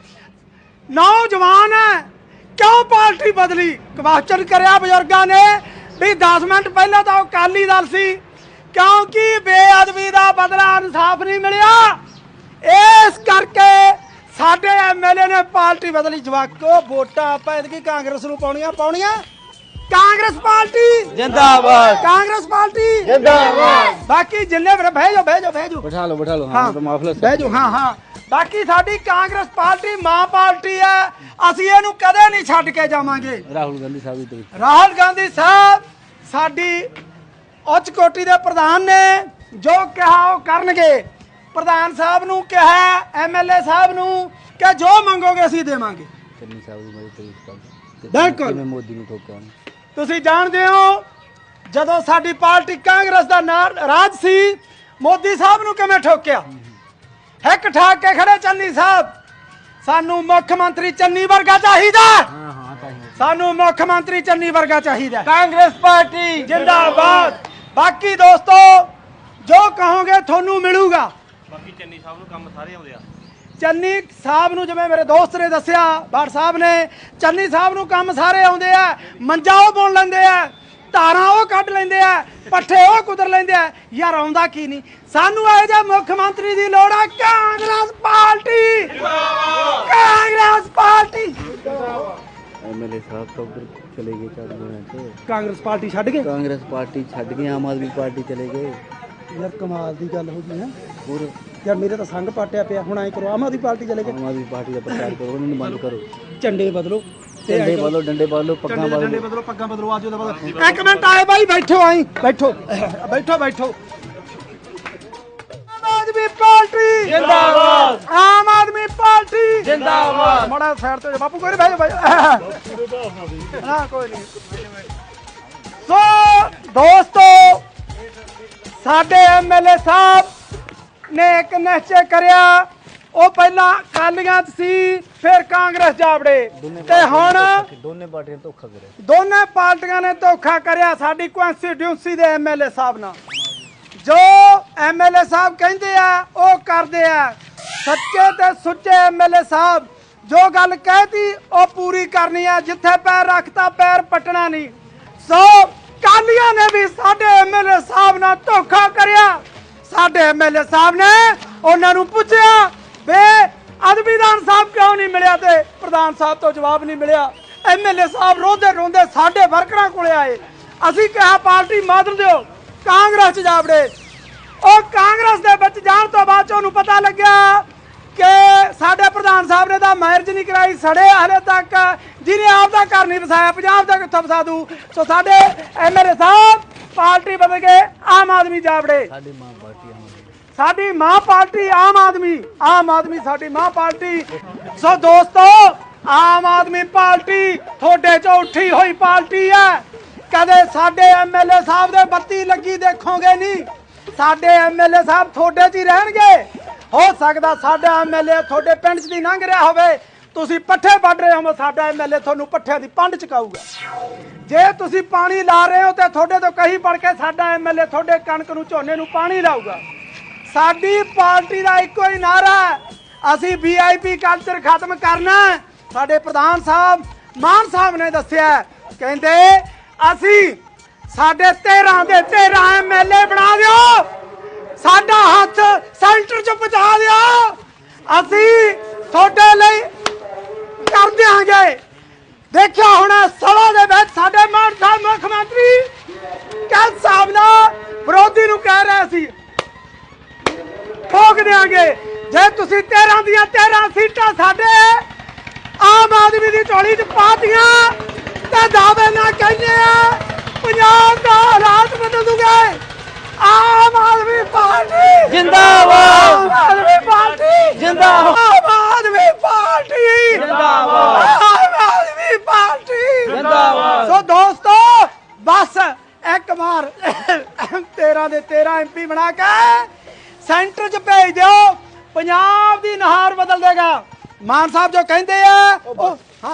ਨੌਜਵਾਨ ਹੈ, ਕਿਉਂ ਪਾਰਟੀ ਬਦਲੀ? ਕੁਐਸਚਨ ਕਰਿਆ ਬਜ਼ੁਰਗਾਂ ਨੇ ਵੀ 10 ਮਿੰਟ ਪਹਿਲਾਂ ਤਾਂ ਉਹ ਅਕਾਲੀ ਦਲ ਸੀ, ਕਿਉਂਕਿ ਬੇਅਦਬੀ ਦਾ ਬਦਲਾ ਇਨਸਾਫ ਨਹੀਂ ਮਿਲਿਆ, ਇਸ ਕਰਕੇ ਸਾਡੇ ਐਮਐਲਏ ਨੇ ਪਾਰਟੀ ਬਦਲੀ। ਜਵਾਕੋ ਵੋਟਾਂ ਆਪਾਂ ਐਤਕੀ ਕਾਂਗਰਸ ਨੂੰ ਪਾਉਣੀਆਂ ਕਾਂਗਰਸ ਪਾਰਟੀ ਜਿੰਦਾਬਾਦ। ਕਾਂਗਰਸ ਪਾਰਟੀ ਜਿੰਦਾਬਾਦ। ਬਾਕੀ ਜਿੰਨੇ ਬਹਿ ਜਾਓ ਬਿਠਾ ਲਓ ਹਾਂ ਬਹਿ ਜਾਓ। ਹਾਂ ਬਾਕੀ ਸਾਡੀ ਕਾਂਗਰਸ ਪਾਰਟੀ ਮਾਂ ਪਾਰਟੀ ਹੈ, ਅਸੀਂ ਇਹਨੂੰ ਕਦੇ ਨਹੀਂ ਛੱਡ ਕੇ ਜਾਵਾਂਗੇ। ਰਾਹੁਲ ਗਾਂਧੀ ਸਾਹਿਬ ਦੀ ਰਾਹੁਲ ਗਾਂਧੀ ਸਾਹਿਬ ਸਾਡੀ ਉੱਚ ਕੋਟੀ ਦੇ ਪ੍ਰਧਾਨ ਨੇ, ਜੋ ਕਿਹਾ ਉਹ ਕਰਨਗੇ। ਪ੍ਰਧਾਨ ਸਾਹਿਬ ਨੂੰ ਕਿਹਾ ਐਮਐਲਏ ਸਾਹਿਬ ਨੂੰ ਕਿ ਜੋ ਮੰਗੋਗੇ ਅਸੀਂ ਦੇਵਾਂਗੇ। ਚੰਨੀ ਸਾਹਿਬ ਦੀ ਮਦਦ ਕਰੀ ਬਿਲਕੁਲ। ਮੈਂ ਮੋਦੀ ਨੂੰ ਠੋਕਿਆ। ਤੁਸੀਂ ਜਾਣਦੇ ਹੋ ਜਦੋਂ ਸਾਡੀ ਪਾਰਟੀ ਕਾਂਗਰਸ ਦਾ ਰਾਜ ਸੀ, ਮੋਦੀ ਸਾਹਿਬ ਨੂੰ ਕਿਵੇਂ ਠੋਕਿਆ? ਹਿੱਕ ਠਾਕ ਕੇ ਖੜੇ ਚੰਨੀ ਸਾਹਿਬ। ਸਾਨੂੰ ਮੁੱਖ ਮੰਤਰੀ ਚੰਨੀ ਵਰਗਾ ਚਾਹੀਦਾ। ਸਾਨੂੰ ਮੁੱਖ ਮੰਤਰੀ ਚੰਨੀ ਵਰਗਾ ਚਾਹੀਦਾ। ਕਾਂਗਰਸ ਪਾਰਟੀ ਜਿੰਦਾਬਾਦ। ਬਾਕੀ ਦੋਸਤੋ ਜੋ ਕਹੋਗੇ ਤੁਹਾਨੂੰ ਮਿਲੂਗਾ। ਬਾਕੀ ਚੰਨੀ ਸਾਹਿਬ ਨੂੰ ਕੰਮ ਸਾਰੇ ਆਉਂਦੇ ਆ। ਚੰਨੀ ਸਾਹਿਬ ਨੂੰ ਜਿਵੇਂ ਮੇਰੇ ਦੋਸਤ ਨੇ ਦੱਸਿਆ, ਬਾੜ ਸਾਹਿਬ ਨੇ, ਚੰਨੀ ਸਾਹਿਬ ਨੂੰ ਕੰਮ ਸਾਰੇ ਆਉਂਦੇ ਆ। ਮੰਜਾ ਉਹ ਬੁਣ ਲੈਂਦੇ ਆ, ਧਾਰਾਂ ਉਹ ਕੱਢ ਲੈਂਦੇ ਆ, ਪੱਠੇ ਉਹ ਕੁਦਰ ਲੈਂਦੇ ਆ। ਯਾਰ ਆਉਂਦਾ ਕੀ ਨਹੀਂ? ਸਾਨੂੰ ਇਹੋ ਜਿਹੇ ਮੁੱਖ ਮੰਤਰੀ ਦੀ ਲੋੜ ਆ। Congress party Congress party. MLA Sahib ਤਾਂ ਉਧਰ ਚਲੇ ਗਏ ਕਾਂਗਰਸ ਪਾਰਟੀ ਛੱਡ ਗਏ। ਕਾਂਗਰਸ ਪਾਰਟੀ ਛੱਡ ਕੇ ਆਮ ਆਦਮੀ ਪਾਰਟੀ ਚਲੇ ਗਏ। ਯਾਰ ਕਮਾਲ ਦੀ ਗੱਲ ਹੋ ਗਈ ਹੈ। ਹੋਰ ਯਾਰ ਮੇਰੇ ਤਾਂ ਸੰਗ ਪਾਟਿਆ ਪਿਆ। ਹੁਣ ਐ ਕਰੋ ਆਮ ਆਦਮੀ ਪਾਰਟੀ ਚਲੇ ਗਏ। ਆਮ ਆਦਮੀ ਪਾਰਟੀ ਦਾ ਪ੍ਰਚਾਰ ਕਰੋ, ਉਹਨਾਂ ਨੂੰ ਬੰਦ ਕਰੋ। ਝੰਡੇ ਬਦਲੋ, ਡੰਡੇ ਬਦਲੋ, ਡੰਡੇ ਬਦਲੋ, ਪੱਗਾਂ ਡੰਡੇ ਬਦਲੋ। ਬਦਲੋ, ਪੱਗਾਂ ਬਦਲੋ। ਆਜੋ ਦਾ ਬਦਲੋ। ਇੱਕ ਮਿੰਟ ਆਏ ਬਾਈ, ਬੈਠੋ। ਆਈ ਬੈਠੋ ਬੈਠੋ। ਆਮ ਆਦਮੀ ਪਾਰਟੀ ਜਿੰਦਾਬਾਦ। ਆਮ ਆਦਮੀ ਪਾਰਟੀ ਜਿੰਦਾਬਾਦ। ਮਾੜਾ ਸਾਈਡ ਤੇ ਬਾਪੂ ਕੋਈ ਨਹੀਂ ਬਹਿ ਜਾ। ਹਾਂ ਕੋਈ ਨਹੀਂ। ਸੋ ਦੋਸਤੋ ਸਾਡੇ ਐਮਐਲਏ ਸਾਹਿਬ ਨੇ ਇੱਕ ਨਿਸ਼ਚੈ ਕਰਿਆ। ਉਹ ਪਹਿਲਾਂ ਅਕਾਲੀਆਂ 'ਚ ਸੀ, ਫਿਰ ਕਾਂਗਰਸ ਜਾਵੜੇ, ਤੇ ਹੁਣ ਦੋਨੇ ਪਾਰਟੀਆਂ ਧੋਖਾ ਕਰਿਆ। ਦੋਨੇ ਪਾਰਟੀਆਂ ਨੇ ਧੋਖਾ ਕਰਿਆ ਸਾਡੀ ਕੰਸਟੀਟਿਊਂਸੀ ਦੇ ਐਮਐਲਏ ਸਾਹਿਬ ਨਾਲ। ਜੋ ਐਮਐਲਏ ਸਾਹਿਬ ਕਹਿੰਦੇ ਆ ਉਹ ਕਰਦੇ ਆ। ਸੱਚੇ ਤੇ ਸੁੱਚੇ ਐਮਐਲਏ ਸਾਹਿਬ ਜੋ ਗੱਲ ਕਹਿਤੀ ਉਹ ਪੂਰੀ ਕਰਨੀ ਆ। ਜਿੱਥੇ ਪੈਰ ਰੱਖਤਾ ਪੈਰ ਪਟਣਾ ਨਹੀਂ। ਸੋ ਕਾਲੀਆਂ ਨੇ ਵੀ ਸਾਡੇ ਐਮਐਲਏ ਸਾਹਿਬ ਨਾਲ ਧੋਖਾ ਕਰਿਆ। ਸਾਡੇ ਐਮਐਲਏ ਸਾਹਿਬ ਨੇ ਉਹਨਾਂ ਨੂੰ ਪੁੱਛਿਆ ਵੇ ਅਦਬੀ ਦਾ ਇਨਸਾਫ ਕਿਉਂ ਨਹੀਂ ਮਿਲਿਆ, ਤੇ ਪ੍ਰਧਾਨ ਸਾਹਿਬ ਤੋਂ ਜਵਾਬ ਨਹੀਂ ਮਿਲਿਆ। ਐਮਐਲਏ ਸਾਹਿਬ ਰੋਂਦੇ ਰੋਂਦੇ ਸਾਡੇ ਵਰਕਰਾਂ ਕੋਲੇ ਆਏ। ਅਸੀਂ ਕਿਹਾ ਪਾਰਟੀ ਬਦਲ ਦਿਓ, ਕਾਂਗਰਸ 'ਚ ਜਾਵੜੇ। ਉਹ ਕਾਂਗਰਸ ਦੇ ਵਿੱਚ ਜਾਣ ਤੋਂ ਬਾਅਦ ਉਹਨੂੰ ਪਤਾ ਲੱਗਿਆ ਕਿ ਸਾਡੇ ਪ੍ਰਧਾਨ ਸਾਹਿਬ ਨੇ ਤਾਂ ਮੈਰਿਜ ਨਹੀਂ ਕਰਾਈ, ਸੜੇ ਹਲੇ ਤੱਕ, ਜਿਹਨੇ ਆਪ ਦਾ ਘਰ ਨਹੀਂ ਵਸਾਇਆ ਪੰਜਾਬ ਦਾ ਕਿੱਥੋਂ ਵਸਾ ਦੂ। ਸੋ ਸਾਡੇ ਐਮਐਲਏ ਸਾਹਿਬ ਪਾਰਟੀ ਬਦਲ ਕੇ ਆਮ ਆਦਮੀ ਜਾਵੜੇ। ਸਾਡੀ ਮਾਂ ਪਾਰਟੀ ਆਮ ਆਦਮੀ। ਸਾਡੀ ਮਾਂ ਪਾਰਟੀ ਆਮ ਆਦਮੀ ਸਾਡੀ ਮਾਂ ਪਾਰਟੀ। ਸੋ ਦੋਸਤੋ ਆਮ ਆਦਮੀ ਪਾਰਟੀ ਤੁਹਾਡੇ ਚੋਂ ਉੱਠੀ ਹੋਈ ਪਾਰਟੀ ਹੈ। ਕਦੇ ਸਾਡੇ ਐਮਐਲਏ ਸਾਹਿਬ ਦੇ ਬੱਤੀ ਲੱਗੀ ਦੇਖੋਗੇ ਨਹੀਂ। ਸਾਡੇ ਐਮਐਲਏ ਸਾਹਿਬ ਤੁਹਾਡੇ 'ਚ ਹੀ ਰਹਿਣਗੇ। ਹੋ ਸਕਦਾ ਸਾਡਾ ਐਮਐਲਏ ਤੁਹਾਡੇ ਪਿੰਡ 'ਚ ਦੀ ਲੰਘ ਰਿਹਾ ਹੋਵੇ, ਤੁਸੀਂ ਪੱਠੇ ਵੱਢ ਰਹੇ ਹੋ, ਸਾਡਾ ਐਮਐਲਏ ਤੁਹਾਨੂੰ ਪੱਠਿਆਂ ਦੀ ਪੰਡ ਚਕਾਊਗਾ। ਜੇ ਤੁਸੀਂ ਪਾਣੀ ਲਾ ਰਹੇ ਹੋ ਤੇ ਤੁਹਾਡੇ ਤੋਂ ਕਹੀ ਪੜ ਕੇ ਸਾਡਾ ਐਮਐਲਏ ਤੁਹਾਡੇ ਕਣਕ ਨੂੰ, ਝੋਨੇ ਨੂੰ ਪਾਣੀ ਲਾਊਗਾ। ਸਾਡੀ ਪਾਰਟੀ ਦਾ ਇੱਕੋ ਹੀ ਨਾਰਾ ਹੈ, ਅਸੀਂ ਵੀਆਈਪੀ ਕਲਚਰ ਖਤਮ ਕਰਨਾ। ਸਾਡੇ ਪ੍ਰਧਾਨ ਸਾਹਿਬ ਮਾਨ ਸਾਹਿਬ ਨੇ ਦੱਸਿਆ, ਕਹਿੰਦੇ ਅਸੀਂ ਸਾਡੇ 13 ਦੇ 13 ਐਮਐਲਏ ਬਣਾ ਦਿਓ, ਸਾਡਾ ਹੱਥ ਸੈਂਟਰ 'ਚ ਪਹੁੰਚਾ ਦਿਓ, ਅਸੀਂ ਤੁਹਾਡੇ ਲਈ ਕਰ ਦਿਆਂਗੇ। ਦੇਖਿਆ ਹੁਣ ਸਭਾ ਦੇ ਵਿੱਚ ਸਾਡੇ ਮਾਨ ਸਾਹਿਬ ਮੁੱਖ ਮੰਤਰੀ ਕੱਲ ਸਾਹਿਬ ਨਾਲ ਵਿਰੋਧੀ ਨੂੰ ਕਹਿ ਰਹੇ ਸੀ ਠੋਕ ਦਿਆਂਗੇ ਜੇ ਤੁਸੀਂ 13 ਦੀਆਂ 13 ਸੀਟਾਂ ਸਾਡੇ ਆਮ ਆਦਮੀ ਦੀ ਝੋਲੀ 'ਚ ਪਾਤੀਆਂ ਤੇ ਦਾਅਵੇ ਨਾਲ ਕਹਿੰਦੇ ਆ ਪੰਜਾਬ ਦਾ ਹਾਲਾਤ ਬਦਲ ਦੂਗੇ। ਆਮ ਆਦਮੀ ਪਾਰਟੀ ਜਿੰਦਾਬਾਦ। ਆਮ ਆਦਮੀ ਪਾਰਟੀ ਜਿੰਦਾਬਾਦ। ਆਮ ਆਦਮੀ ਪਾਰਟੀ ਜਿੰਦਾਬਾਦ। ਆਮ ਆਦਮੀ ਪਾਰਟੀ ਜਿੰਦਾਬਾਦ। ਸੋ ਦੋਸਤੋ ਬਸ ਇੱਕ ਵਾਰ 13 ਦੇ 13 ਐਮਪੀ ਬਣਾ ਕੇ ਸੈਂਟਰ 'ਚ ਭੇਜ ਦਿਓ, ਪੰਜਾਬ ਦੀ ਨਹਾਰ ਬਦਲ ਦੇਗਾ। ਮਾਨ ਸਾਹਿਬ ਜੋ ਕਹਿੰਦੇ ਆ ਉਹ ਹਾਂ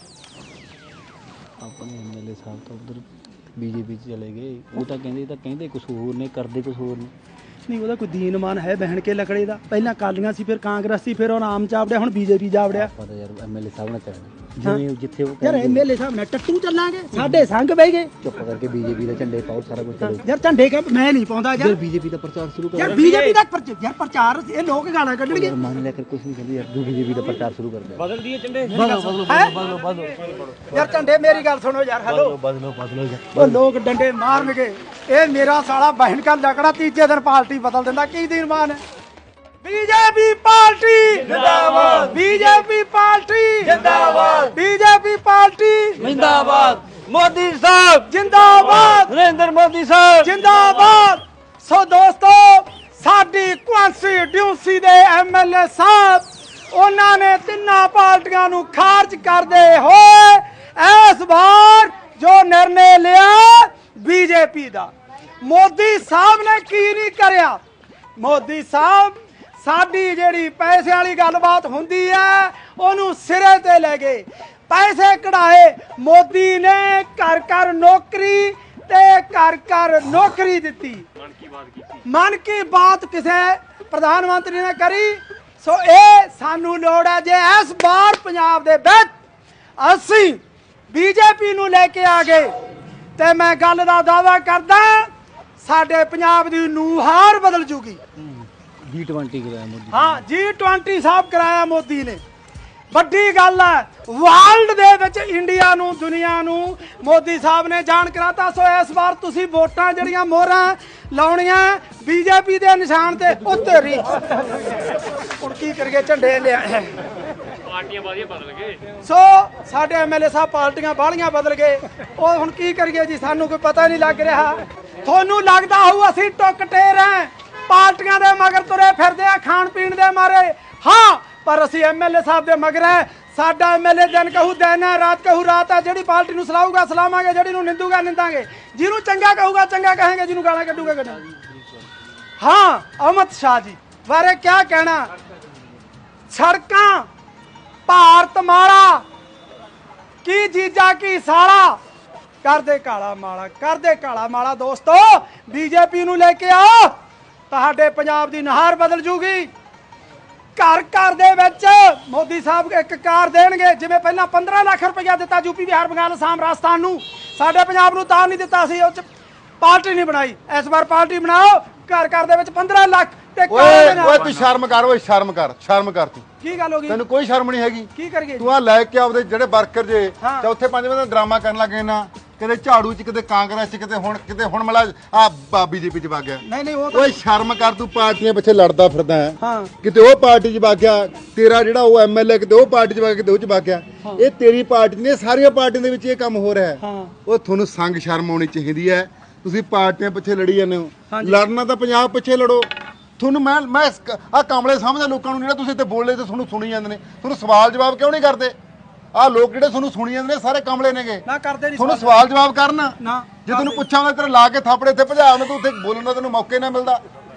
ਆਪਣੇ ਐਮਐਲਏ ਸਾਹਿਬ ਤਾਂ ਉਧਰ ਬੀਜੇਪੀ ਚ ਚਲੇ ਗਏ। ਉਹ ਤਾਂ ਕਹਿੰਦੇ ਕੁਝ ਹੋਰ ਨੇ, ਕਰਦੇ ਕੁਝ ਹੋਰ ਨੇ। ਨਹੀਂ ਉਹਦਾ ਕੋਈ ਦੀਨਮਾਨ ਹੈ ਬਹਿਣ ਕੇ ਲੱਕੜੇ ਦਾ। ਪਹਿਲਾਂ ਕਾਲੀਆਂ ਸੀ, ਫਿਰ ਕਾਂਗਰਸ ਸੀ, ਫਿਰ ਉਹ ਆਮ ਚਾਵੜਿਆ, ਹੁਣ ਬੀਜੇਪੀ ਜਾਵੜਿਆ। ਪਤਾ ਯਾਰ ਐਮਐਲਏ ਸਾਹਿਬ ਨਾਲ ਚੱਲਣਾ ਜਿਵੇਂ ਜਿੱਥੇ ਉਹ ਯਾਰ ਕਹਿੰਦੇ ਐਮਐਲਏ ਸਾਹਿਬ ਨਾਲ ਟੱਟੂ ਚੱਲਾਂਗੇ, ਸਾਡੇ ਸੰਗ ਬਹਿ ਗਏ। ਚੁੱਪ ਕਰਕੇ ਬੀਜੇਪੀ ਦੇ ਝੰਡੇ ਪਾਓ, ਸਾਰਾ ਕੁਝ ਕਰੋ। ਯਾਰ ਝੰਡੇ ਕਿ ਮੈਂ ਨਹੀਂ ਪਾਉਂਦਾ ਯਾਰ। ਬੀਜੇਪੀ ਦਾ ਪ੍ਰਚਾਰ ਸ਼ੁਰੂ ਕਰੋ। ਯਾਰ ਬੀਜੇਪੀ ਦਾ ਯਾਰ ਪ੍ਰਚਾਰ ਇਹ ਲੋਕ ਗਾਲਾਂ ਕੱਢਣਗੇ। ਯਾਰ ਮੰਨ ਲਿਆ ਕਰ ਕੁਝ ਨਹੀਂ ਕਹਿੰਦੇ ਯਾਰ, ਤੂੰ ਬੀਜੇਪੀ ਦਾ ਪ੍ਰਚਾਰ ਸ਼ੁਰੂ ਕਰ ਦੇ। ਬਦਲ ਦੀਏ ਝੰਡੇ। ਯਾਰ ਝੰਡੇ ਮੇਰੀ ਗੱਲ ਸੁਣੋ ਯਾਰ। ਹੈਲੋ ਬਦਲੋ ਉਹ ਲੋਕ ਡੰਡੇ ਮਾਰਨਗੇ। ਇਹ ਮੇਰਾ ਸਾਲਾ ਬਹਿਣ ਕਾ ਲਕੜਾ ਤੀਜੇ ਦਿਨ ਪਾਰਟੀ ਬਦਲ ਦਿੰਦਾ। ਕੀ ਦੀਨਮਾਨ ਹੈ? ਬੀਜੇਪੀ ਪਾਰਟੀ ਜਿੰਦਾਬਾਦ। ਬੀਜੇਪੀ ਪਾਰਟੀ ਜਿੰਦਾਬਾਦ। ਬੀਜੇਪੀ ਪਾਰਟੀ ਜਿੰਦਾਬਾਦ। ਮੋਦੀ ਸਾਹਿਬ ਜਿੰਦਾਬਾਦ। ਨਰਿੰਦਰ ਮੋਦੀ ਸਾਹਿਬ ਜਿੰਦਾਬਾਦ। ਸੋ ਦੋਸਤੋ ਸਾਡੀ ਕੌਂਸਟੀਟਿਊਂਸੀ ਦੇ ਐਮਐਲਏ ਸਾਹਿਬ ਉਹਨਾਂ ਨੇ ਤਿੰਨਾਂ ਪਾਰਟੀਆਂ ਨੂੰ ਖਾਰਜ ਕਰਦੇ ਹੋਏ ਇਸ ਵਾਰ ਜੋ ਨਿਰਣੇ ਲਿਆ ਬੀਜੇਪੀ ਦਾ। ਮੋਦੀ ਸਾਹਿਬ ਨੇ ਕੀ ਨਹੀਂ ਕਰਿਆ। ਮੋਦੀ ਸਾਹਿਬ ਸਾਡੀ ਜਿਹੜੀ ਪੈਸੇ ਵਾਲੀ ਗੱਲਬਾਤ ਹੁੰਦੀ ਹੈ ਉਹਨੂੰ ਸਿਰੇ ਤੇ ਲੈ ਗਏ। ਪੈਸੇ ਕਢਾਏ। ਮੋਦੀ ਨੇ ਘਰ ਘਰ ਨੌਕਰੀ ਤੇ ਘਰ ਘਰ ਨੌਕਰੀ ਦਿੱਤੀ। ਮਨ ਕੀ ਬਾਤ ਕਿਸੇ ਪ੍ਰਧਾਨ ਮੰਤਰੀ ਨੇ ਕਰੀ। ਸੋ ਇਹ ਸਾਨੂੰ ਲੋੜ ਹੈ ਜੇ ਇਸ ਵਾਰ ਪੰਜਾਬ ਦੇ ਵਿੱਚ ਅਸੀਂ ਬੀਜੇਪੀ ਨੂੰ ਲੈ ਕੇ ਆ ਗਏ ਤੇ ਮੈਂ ਗੱਲ ਦਾ ਦਾਅਵਾ ਕਰਦਾ ਸਾਡੇ ਪੰਜਾਬ ਦੀ ਨੂਹਾਰ ਬਦਲ ਜੂਗੀ। G20 ਕਰਾਇਆ ਮੋਦੀ। ਹਾਂ G20 ਸਾਹਿਬ ਕਰਾਇਆ ਮੋਦੀ ਨੇ। ਵੱਡੀ ਗੱਲ ਹੈ ਵਰਲਡ ਦੇ ਵਿੱਚ ਇੰਡੀਆ ਨੂੰ ਦੁਨੀਆ ਨੂੰ ਮੋਦੀ ਸਾਹਿਬ ਨੇ ਜਾਣ ਕਰਾਤਾ। ਸੋ ਇਸ ਵਾਰ ਤੁਸੀਂ ਵੋਟਾਂ ਜਿਹੜੀਆਂ ਮੋਹਰਾਂ ਲਾਉਣੀਆਂ ਬੀਜੇਪੀ ਦੇ ਨਿਸ਼ਾਨ ਤੇ ਉੱਤਰੀ। ਹੁਣ ਕੀ ਕਰੀਏ ਝੰਡੇ ਲਿਆ ਪਾਰਟੀਆਂ ਵਧੀਆ ਬਦਲ ਗਏ। ਸੋ ਸਾਡੇ ਐਮਐਲਏ ਸਾਹਿਬ ਪਾਰਟੀਆਂ ਬਾਹਲੀਆਂ ਬਦਲ ਗਏ। ਉਹ ਹੁਣ ਕੀ ਕਰੀਏ ਜੀ, ਸਾਨੂੰ ਕੋਈ ਪਤਾ ਨਹੀਂ ਲੱਗ ਰਿਹਾ। ਤੁਹਾਨੂੰ ਲੱਗਦਾ ਹੋਊ ਅਸੀਂ ਟੁੱਕ ਟੇਰ ਹਾਂ, ਪਾਰਟੀਆਂ ਦੇ ਮਗਰ ਤੁਰੇ ਫਿਰਦੇ ਆ ਖਾਣ ਪੀਣ ਦੇ ਮਾਰੇ। ਹਾਂ ਪਰ ਅਸੀਂ ਐਮਐਲਏ ਸਾਹਿਬ ਦੇ ਮਗਰ ਹੈ। ਸਾਡਾ ਐਮਐਲਏ ਦਿਨ ਕਹੂ ਦਿਨ ਹੈ, ਰਾਤ ਕਹੂ ਰਾਤ ਹੈ। ਜਿਹੜੀ ਪਾਰਟੀ ਨੂੰ ਸਲਾਹੂਗਾ ਸਲਾਵਾਂਗੇ, ਜਿਹੜੀ ਨੂੰ ਨਿੰਦੂਗਾ ਨਿੰਦਾਂਗੇ, ਜਿਹਨੂੰ ਚੰਗਾ ਕਹੂਗਾ ਚੰਗਾ ਕਹਾਂਗੇ, ਜਿਹਨੂੰ ਗਾਲਾਂ ਕੱਢੂਗਾ ਕੱਢਾਂਗੇ। ਹਾਂ ਅਮਿਤ ਸ਼ਾਹ ਜੀ ਬਾਰੇ ਕੀ ਕਹਿਣਾ। ਸੜਕਾਂ ਭਾਰਤ ਮਾਲਾ ਕੀ ਜੀਜਾ ਕੀ ਸਾਲਾ ਕਰਦੇ ਕਾਲਾ ਮਾਲਾ, ਕਰਦੇ ਕਾਲਾ ਮਾਲਾ। ਦੋਸਤੋ ਬੀਜੇਪੀ ਨੂੰ ਲੈ ਕੇ ਆਓ, ਤੁਹਾਡੇ ਪੰਜਾਬ ਦੀ ਨਹਾਰ ਬਦਲ ਜੂਗੀ। ਘਰ ਘਰ ਦੇ ਵਿੱਚ ਮੋਦੀ ਸਾਹਿਬ ਇੱਕ ਕਾਰ ਦੇਣਗੇ। ਜਿਵੇਂ ਪਹਿਲਾਂ 15 ਲੱਖ ਰੁਪਇਆ ਦਿੱਤਾ ਯੂਪੀ ਬਿਹਾਰ ਬੰਗਾਲ ਅਸਾਮ ਰਾਜਸਥਾਨ ਨੂੰ, ਸਾਡੇ ਪੰਜਾਬ ਨੂੰ ਤਾਂ ਨਹੀਂ ਦਿੱਤਾ ਸੀ। ਉਹ ਚ ਪਾਰਟੀ ਨਹੀਂ ਬਣਾਈ। ਇਸ ਵਾਰ ਪਾਰਟੀ ਬਣਾਓ। ਘਰ ਘਰ ਦੇ ਵਿੱਚ 15 ਲੱਖ ਤੇ ਓਏ ਤੂੰ ਸ਼ਰਮ ਕਰ। ਓਏ ਸ਼ਰਮ ਕਰ ਤੂੰ। ਕੀ ਗੱਲ ਹੋ ਗਈ? ਤੈਨੂੰ ਕੋਈ ਸ਼ਰਮ ਨਹੀਂ ਹੈਗੀ। ਕੀ ਕਰੀਏ? ਤੂੰ ਆ ਲੈ ਕੇ ਆਪਦੇ ਜਿਹੜੇ ਵਰਕਰ ਜੇ ਹਾਂ। ਚੌਥੇ ਪੰਜਵੇਂ ਦਾ ਡਰਾਮਾ ਕਰਨ ਲੱਗੇ ਨਾ, ਕਿਤੇ ਝਾੜੂ ਚ, ਕਿਤੇ ਕਾਂਗਰਸ ਚ, ਕਿਤੇ ਹੁਣ ਮਲਾ ਆ ਬੀਜੇਪੀ ਚ ਵਗ ਗਿਆ। ਨਹੀਂ ਉਹ ਤਾਂ ਓਏ ਸ਼ਰਮ ਕਰ। ਤੂੰ ਪਾਰਟੀਆਂ ਪਿੱਛੇ ਲੜਦਾ ਫਿਰਦਾ ਹੈ। ਹਾਂ ਕਿਤੇ ਉਹ ਪਾਰਟੀ 'ਚ ਵਗ ਗਿਆ, ਤੇਰਾ ਜਿਹੜਾ ਉਹ ਐਮਐਲਏ ਕਿਤੇ ਉਹ ਪਾਰਟੀ 'ਚ ਵਗ ਗਿਆ, ਕਿਤੇ ਉਹ 'ਚ ਵਗ ਗਿਆ। ਇਹ ਤੇਰੀ ਪਾਰਟੀ ਨੇ, ਸਾਰੀਆਂ ਪਾਰਟੀਆਂ ਦੇ ਵਿੱਚ ਇਹ ਕੰਮ ਹੋ ਰਿਹਾ ਹੈ। ਹਾਂ ਉਹ ਤੁਹਾਨੂੰ ਸੰਗ ਸ਼ਰਮ ਆਉਣੀ ਚਾਹੀਦੀ ਹੈ। ਤੁਸੀਂ ਪਾਰਟੀਆਂ ਪਿੱਛੇ ਲੜੀ ਜਾਂਦੇ ਹੋ। ਲੜਨਾ ਤਾਂ ਪੰਜਾਬ ਪਿੱਛੇ ਲੜੋ। ਤੁਹਾਨੂੰ ਮੈਂ ਆ ਕਾਮਲੇ ਸਮਝਦਾ ਲੋਕਾਂ ਨੂੰ, ਜਿਹੜਾ ਤੁਸੀਂ ਇੱਥੇ ਬੋਲੇ ਤੇ ਤੁਹਾਨੂੰ ਸੁਣੀ ਜਾਂਦੇ ਨੇ। ਤੁਹਾਨੂੰ ਸਵਾਲ ਜਵਾਬ ਕਿਉਂ ਨਹੀਂ ਕਰਦੇ? ਆਹ ਲੋਕ ਜਿਹੜੇ ਤੁਹਾਨੂੰ ਸੁਣੀ ਜਾਂਦੇ ਨੇ ਸਾਰੇ ਕਮਲੇ ਨੇਗੇ। ਨਾ ਕਰਦੇ ਨਹੀਂ ਤੁਹਾਨੂੰ ਸਵਾਲ ਜਵਾਬ ਕਰਨ। ਨਾ ਜੇ ਤੈਨੂੰ ਪੁੱਛਾਂਗਾ ਤੇਰੇ ਲਾ ਕੇ ਥਾਪੜੇ ਇੱਥੇ ਭਜਾ ਮੈਂ, ਤੂੰ ਉੱਥੇ ਬੋਲਣ ਦਾ ਤੈਨੂੰ ਮੌਕੇ ਨਾ ਮਿਲਦਾ।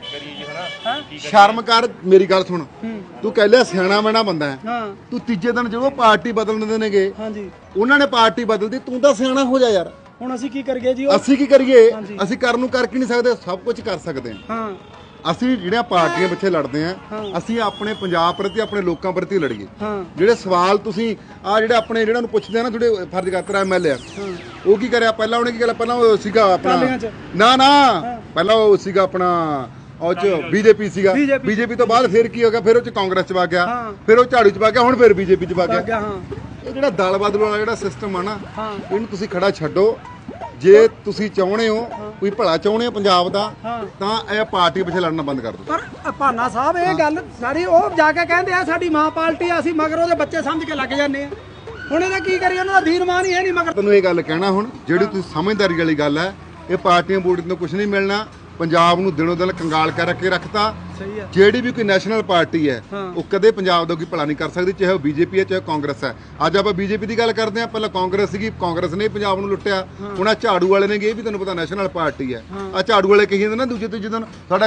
ਸ਼ਰਮ ਕਰ। ਮੇਰੀ ਗੱਲ ਸੁਣ, ਤੂੰ ਕਹਿ ਲਿਆ ਸਿਆਣਾ ਮੈਣਾ ਬੰਦਾ ਹੈ। ਹਾਂ ਤੂੰ ਤੀਜੇ ਦਿਨ ਜਦੋਂ ਪਾਰਟੀ ਬਦਲ ਦਿੰਦੇ ਨੇਗੇ, ਹਾਂਜੀ ਉਹਨਾਂ ਨੇ ਪਾਰਟੀ ਬਦਲਦੀ, ਤੂੰ ਤਾਂ ਸਿਆਣਾ ਹੋ ਜਾ ਯਾਰ। ਹੁਣ ਅਸੀਂ ਕੀ ਕਰੀਏ ਜੀ? ਅਸੀਂ ਕੀ ਕਰੀਏ? ਅਸੀਂ ਕਰਨ ਨੂੰ ਕਰ ਕੀ ਨਹੀਂ ਸਕਦੇ, ਸਭ ਕੁਝ ਕਰ ਸਕਦੇ ਹਾਂ। ਹਾਂ ਅਸੀਂ ਜਿਹੜੀਆਂ ਪਾਰਟੀਆਂ ਪਿੱਛੇ ਲੜਦੇ ਆ, ਅਸੀਂ ਆਪਣੇ ਪੰਜਾਬ ਪ੍ਰਤੀ, ਆਪਣੇ ਲੋਕਾਂ ਪ੍ਰਤੀ ਲੜੀਏ। ਹਾਂ ਜਿਹੜੇ ਸਵਾਲ ਤੁਸੀਂ ਆ ਜਿਹੜੇ ਆਪਣੇ ਜਿਹੜਾ ਨੂੰ ਪੁੱਛਦੇ ਆ ਨਾ, ਤੁਹਾਡੇ ਫਰਜ਼ ਕਰਤਰਾ ਐਮਐਲਏ ਆ, ਉਹ ਕੀ ਕਰਿਆ ਪਹਿਲਾਂ? ਉਹਨੇ ਕੀ ਕਰਿਆ ਪਹਿਲਾਂ? ਉਹ ਸੀਗਾ ਆਪਣਾ ਨਾ ਪਹਿਲਾਂ ਉਹ ਸੀਗਾ ਆਪਣਾ ਉਹ ਚ ਬੀਜੇਪੀ ਸੀਗਾ। ਬੀਜੇਪੀ ਤੋਂ ਬਾਅਦ ਫਿਰ ਕੀ ਹੋ ਗਿਆ? ਫਿਰ ਉਹ ਚ ਕਾਂਗਰਸ ਚ ਵਗ ਗਿਆ, ਫਿਰ ਉਹ ਝਾੜੂ ਚ ਵਗ ਗਿਆ, ਹੁਣ ਫਿਰ ਬੀਜੇਪੀ ਚ ਵਗ ਗਿਆ। ਇਹ ਜਿਹੜਾ ਦਲ ਬਦਲ ਵਾਲਾ ਜਿਹੜਾ ਸਿਸਟਮ ਆ ਨਾ, ਇਹਨੂੰ ਤੁਸੀਂ ਖੜਾ ਛੱਡੋ। ਜੇ ਤੁਸੀਂ ਚਾਹੁੰਦੇ ਹੋ ਕੋਈ ਭਲਾ ਚਾਹੁੰਦੇ ਹੋ ਪੰਜਾਬ ਦਾ, ਤਾਂ ਇਹ ਪਾਰਟੀ ਪਿੱਛੇ ਲੜਨਾ ਬੰਦ ਕਰ ਦਿਓ। ਪਰ ਭਾਨਾ ਸਾਹਿਬ ਇਹ ਗੱਲ ਸਾਰੀ ਉਹ ਜਾ ਕੇ ਕਹਿੰਦੇ ਆ ਸਾਡੀ ਮਾਂ ਪਾਰਟੀ ਆ, ਅਸੀਂ ਮਗਰ ਉਹਦੇ ਬੱਚੇ ਸਮਝ ਕੇ ਲੱਗ ਜਾਂਦੇ ਆ। ਹੁਣ ਇਹਦਾ ਕੀ ਕਰੀਏ? ਉਹਨਾਂ ਦਾ ਧੀਰਮਾਨ ਹੀ ਹੈ ਨਹੀਂ ਮਗਰ। ਤੈਨੂੰ ਇਹ ਗੱਲ ਕਹਿਣਾ ਹੁਣ ਜਿਹੜੀ ਤੁਸੀਂ ਸਮਝਦਾਰੀ ਵਾਲੀ ਗੱਲ ਹੈ, ਇਹ ਪਾਰਟੀਆਂ ਬੋਰਡ ਤੋਂ ਕੁਝ ਨਹੀਂ ਮਿਲਣਾ। ਪੰਜਾਬ ਨੂੰ ਦਿਨੋਂ ਦਿਨ ਕੰਗਾਲ ਕਰਕੇ ਰੱਖਤਾ। ਸਹੀ ਹੈ। ਜਿਹੜੀ ਵੀ ਕੋਈ ਨੈਸ਼ਨਲ ਪਾਰਟੀ ਹੈ ਉਹ ਕਦੇ ਪੰਜਾਬ ਦਾ ਕੋਈ ਭਲਾ ਨਹੀਂ ਕਰ ਸਕਦੀ, ਚਾਹੇ ਉਹ ਬੀਜੇਪੀ ਹੈ ਚਾਹੇ ਕਾਂਗਰਸ ਹੈ। ਅੱਜ ਆਪਾਂ ਬੀਜੇਪੀ ਦੀ ਗੱਲ ਕਰਦੇ ਹਾਂ, ਪਹਿਲਾਂ ਕਾਂਗਰਸ ਸੀਗੀ, ਕਾਂਗਰਸ ਨੇ ਪੰਜਾਬ ਨੂੰ ਲੁੱਟਿਆ। ਹੁਣ ਆ ਝਾੜੂ ਵਾਲੇ ਨੇ, ਇਹ ਵੀ ਤੁਹਾਨੂੰ ਪਤਾ ਨੈਸ਼ਨਲ ਪਾਰਟੀ ਹੈ। ਆ ਝਾੜੂ ਵਾਲੇ ਕਹੀ ਜਾਂਦੇ ਨਾ ਦੂਜੇ ਤੀਜੇ ਦਿਨ ਸਾਡਾ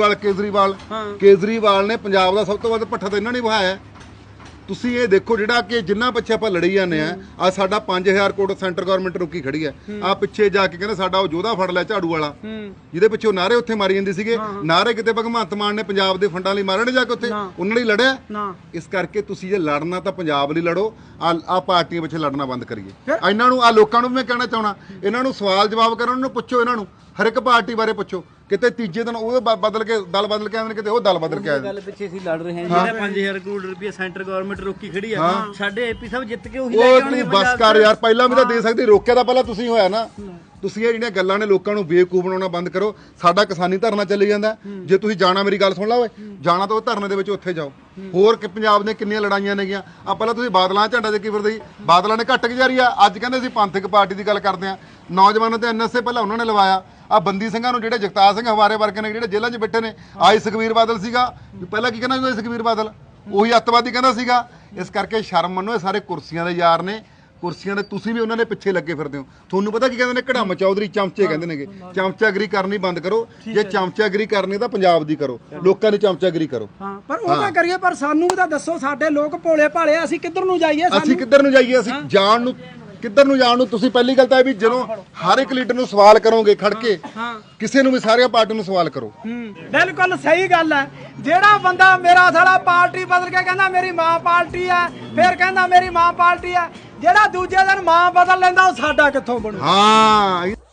ਕੇਜਰੀਵਾਲ ਨੇ ਪੰਜਾਬ ਦਾ ਸਭ ਤੋਂ ਵੱਧ ਪੱਠਾ ਤਾਂ ਇਹਨਾਂ ਨੇ ਵਹਾਇਆ। ਤੁਸੀਂ ਇਹ ਦੇਖੋ ਜਿਹੜਾ ਕਿ ਜਿੰਨਾ ਪਿੱਛੇ ਆਪਾਂ ਲੜੀ ਜਾਂਦੇ ਆ ਸਾਡਾ 5000 ਕਰੋੜ ਸੈਂਟਰ ਗਵਰਨਮੈਂਟ ਰੁਕੀ ਖੜੀ ਹੈ। ਆ ਪਿੱਛੇ ਜਾ ਕੇ ਕਹਿੰਦੇ ਸਾਡਾ ਉਹ ਯੋਧਾ ਫੜ ਲਿਆ ਝਾੜੂ ਵਾਲਾ, ਜਿਹਦੇ ਪਿੱਛੇ ਉਹ ਨਾਰੇ ਉੱਥੇ ਮਾਰੀ ਜਾਂਦੇ ਸੀਗੇ। ਨਾਰੇ ਕਿਤੇ ਭਗਵੰਤ ਮਾਨ ਨੇ ਪੰਜਾਬ ਦੇ ਫੰਡਾਂ ਲਈ ਮਾਰਨੇ ਜਾ ਕੇ ਉੱਥੇ ਉਹਨਾਂ ਲਈ ਲੜਿਆ। ਇਸ ਕਰਕੇ ਤੁਸੀਂ ਜੇ ਲੜਨਾ ਤਾਂ ਪੰਜਾਬ ਲਈ ਲੜੋ, ਆ ਪਾਰਟੀਆਂ ਪਿੱਛੇ ਲੜਨਾ ਬੰਦ ਕਰੀਏ। ਇਹਨਾਂ ਨੂੰ ਆ ਲੋਕਾਂ ਨੂੰ ਵੀ ਮੈਂ ਕਹਿਣਾ ਚਾਹਣਾ, ਇਹਨਾਂ ਨੂੰ ਸਵਾਲ ਜਵਾਬ ਕਰਨ ਨੂੰ ਪੁੱਛੋ, ਇਹਨਾਂ ਨੂੰ ਹਰ ਇੱਕ ਪਾਰਟੀ ਬਾਰੇ ਪੁੱਛੋ। ਕਿਤੇ ਤੀਜੇ ਦਿਨ ਉਹ ਬਦਲ ਕੇ ਦਲ ਬਦਲ ਕੇ ਆਉਂਦੇ, ਕਿਤੇ ਉਹ ਦਲ ਬਦਲ ਕੇ ਆਉਂਦੇ। ਗੱਲ ਪਿੱਛੇ ਅਸੀਂ ਲੜ ਰਹੇ ਹਾਂ ਜਿਹੜਾ 5000 ਕਰੋੜ ਰੁਪਏ ਸੈਂਟਰ ਗਵਰਨਮੈਂਟ ਰੋਕੀ ਖੜੀ ਆ, ਸਾਡੇ ਏਪੀ ਸਾਹਿਬ ਜਿੱਤ ਕੇ ਉਹੀ ਲੈ ਉਹ ਕੇ ਆਉਣਗੇ। ਤੂੰ ਬਸ ਕਰ ਯਾਰ, ਪਹਿਲਾਂ ਵੀ ਤਾਂ ਦੇ ਸਕਦੀ, ਰੋਕਿਆ ਤਾਂ ਪਹਿਲਾਂ ਤੁਸੀਂ ਹੋਇਆ ਨਾ। ਤੁਸੀਂ ਇਹ ਜਿਹੜੀਆਂ ਗੱਲਾਂ ਨੇ ਲੋਕਾਂ ਨੂੰ ਬੇਵਕੂਫ ਬਣਾਉਣਾ ਬੰਦ ਕਰੋ। ਸਾਡਾ ਕਿਸਾਨੀ ਧਰਨਾ ਚੱਲੀ ਜਾਂਦਾ, ਜੇ ਤੁਸੀਂ ਜਾਣਾ, ਮੇਰੀ ਗੱਲ ਸੁਣ ਲਾ ਓਏ, ਜਾਣਾ ਤਾਂ ਉਹ ਧਰਨੇ ਦੇ ਵਿੱਚ ਉੱਥੇ ਜਾਓ। ਹੋਰ ਕਿ ਪੰਜਾਬ ਨੇ ਕਿੰਨੀਆਂ ਲੜਾਈਆਂ ਨੇਗੀਆਂ। ਆ ਪਹਿਲਾਂ ਤੁਸੀਂ ਬਾਦਲਾਂ ਝੰਡਾ ਦੇ ਕੀ ਫਿਰਦੇ ਸੀ, ਬਾਦਲਾਂ ਨੇ ਘੱਟ ਗੁਜ਼ਾਰੀ ਆ। ਅੱਜ ਕਹਿੰਦੇ ਅਸੀਂ ਪੰਥਕ ਪਾਰਟੀ ਦੀ ਗੱਲ ਕਰਦੇ ਆ। ਨੌਜਵਾਨਾਂ ਤੇ ਐਨਐਸਏ ਪਹਿਲਾਂ ਉਹਨਾਂ ਨੇ ਲਵਾਇਆ। ਆ ਬੰਦੀ ਸਿੰਘਾਂ ਨੂੰ ਜਿਹੜੇ ਜਗਤਾਰ ਸਿੰਘ ਹਵਾਰੇ ਵਰਗੇ ਨੇ ਜਿਹੜੇ ਜੇਲ੍ਹਾਂ 'ਚ ਬੈਠੇ ਨੇ, ਆਈ ਸੁਖਬੀਰ ਬਾਦਲ ਸੀਗਾ, ਪਹਿਲਾਂ ਕੀ ਕਹਿੰਦਾ ਸੀ ਸੁਖਬੀਰ ਬਾਦਲ, ਉਹੀ ਅੱਤਵਾਦੀ ਕਹਿੰਦਾ ਸੀਗਾ। ਇਸ ਕਰਕੇ ਸ਼ਰਮ ਮੰਨੋ, ਇਹ ਸਾਰੇ ਕੁਰਸੀਆਂ ਦੇ ਯਾਰ ਨੇ, ਕੁਰਸੀਆਂ ਦੇ ਤੁਸੀਂ ਵੀ ਉਹਨਾਂ ਦੇ ਪਿੱਛੇ ਲੱਗੇ ਫਿਰਦੇ ਹੋ। ਤੁਹਾਨੂੰ ਪਤਾ ਕੀ ਕਹਿੰਦੇ ਨੇ, ਕੜਮ ਚੌਧਰੀ ਚਮਚੇ ਕਹਿੰਦੇ ਨੇਗੇ। ਚਮਚਾਗਰੀ ਕਰਨੀ ਬੰਦ ਕਰੋ। ਜੇ ਚਮਚਾਗਰੀ ਕਰਨੀ ਤਾਂ ਪੰਜਾਬ ਦੀ ਕਰੋ, ਲੋਕਾਂ ਦੀ ਚਮਚਾਗਰੀ ਕਰੋ। ਹਾਂ, ਪਰ ਉਹ ਤਾਂ ਕਰੀਏ, ਪਰ ਸਾਨੂੰ ਵੀ ਤਾਂ ਦੱਸੋ, ਸਾਡੇ ਲੋਕ ਭੋਲੇ ਭਾਲੇ, ਅਸੀਂ ਕਿੱਧਰ ਨੂੰ ਜਾਈਏ? ਅਸੀਂ ਕਿੱਧਰ ਨੂੰ ਜਾਈਏ? ਅਸੀਂ ਜਾਣ ਨੂੰ ਕਿੱਧਰ ਨੂੰ ਜਾਣ ਨੂੰ? ਤੁਸੀਂ ਪਹਿਲੀ ਗੱਲ ਤਾਂ ਇਹ ਵੀ ਜਦੋਂ ਹਰ ਇੱਕ ਲੀਡਰ ਨੂੰ ਸਵਾਲ ਕਰੋਗੇ ਖੜ ਕੇ, ਕਿਸੇ ਨੂੰ ਵੀ ਸਾਰੀਆਂ ਪਾਰਟੀ ਨੂੰ ਸਵਾਲ ਕਰੋ। ਬਿਲਕੁਲ ਸਹੀ ਗੱਲ ਹੈ। ਜਿਹੜਾ ਬੰਦਾ ਮੇਰਾ ਸਾਲਾ ਪਾਰਟੀ ਬਦਲ ਕੇ ਕਹਿੰਦਾ ਮੇਰੀ ਮਾਂ ਪਾਰਟੀ ਹੈ, ਫਿਰ ਕਹਿੰਦਾ ਮੇਰੀ ਮਾਂ ਪਾਰਟੀ ਹੈ, ਜਿਹੜਾ ਦੂਜੇ ਦਿਨ ਮਾਂ ਬਦਲ ਲੈਂਦਾ ਉਹ ਸਾਡਾ ਕਿੱਥੋਂ ਬਣੂ? ਹਾਂ।